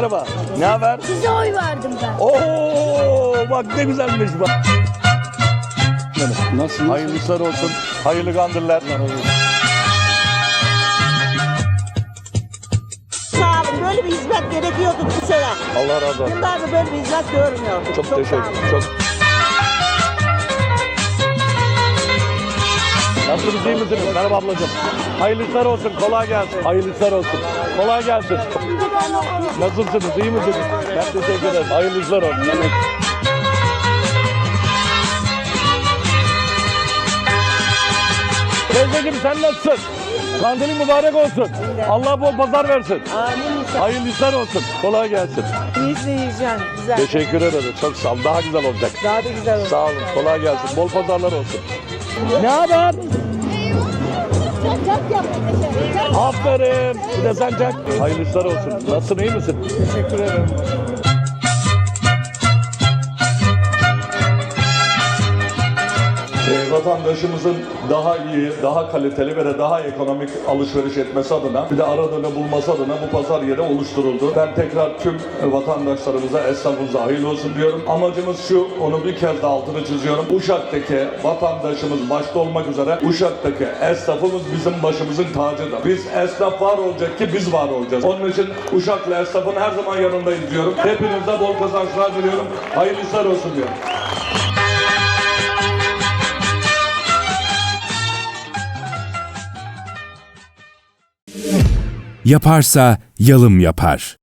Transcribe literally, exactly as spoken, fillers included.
merhaba. Ne haber? Size oy verdim ben. Oo, bak ne güzelmiş bak. Nasılsınız? Hayırlı işler olsun. Hayırlı kandiller. Sağ olun. Böyle bir hizmet gerekiyordu bu sene. Allah razı olsun. Yıllardır böyle bir hizmet görmüyorduk. Çok, sağ teşekkür olun. ederim. Çok. Nasılsınız, iyi misiniz? Merhaba ablacığım. Hayırlı işler olsun, kolay gelsin. Hayırlı işler olsun. Kolay gelsin. Nasılsınız, iyi misiniz? Ben teşekkür ederim. Hayırlı işler olsun. Teyzeciğim sen nasılsın? Kandilin mübarek olsun. Allah bol pazar versin. Amin. Hayırlı işler olsun. Kolay gelsin. İyisini yiyeceksin. Güzel. Teşekkür ederim. Çok sağ ol. Daha güzel olacak. Daha da güzel olur. Sağ olun. Kolay gelsin. Bol pazarlar olsun. Ne haber? Aferin. Bir de sen çak. Hayırlı işler olsun. Nasılsın, iyi misin? Teşekkür ederim. E, vatandaşımızın daha iyi, daha kaliteli ve de daha ekonomik alışveriş etmesi adına bir de aradığını bulması adına bu pazar yeri oluşturuldu. Ben tekrar tüm vatandaşlarımıza, esnafımıza hayırlı olsun diyorum. Amacımız şu, onu bir kez daha altını çiziyorum. Uşak'taki vatandaşımız başta olmak üzere Uşak'taki esnafımız bizim başımızın tacıdır. Biz esnaf var olacak ki biz var olacağız. Onun için Uşaklı esnafın her zaman yanındayız diyorum. Hepinize bol kazançlar diliyorum. Hayırlı işler olsun diyorum. Yaparsa yalım yapar.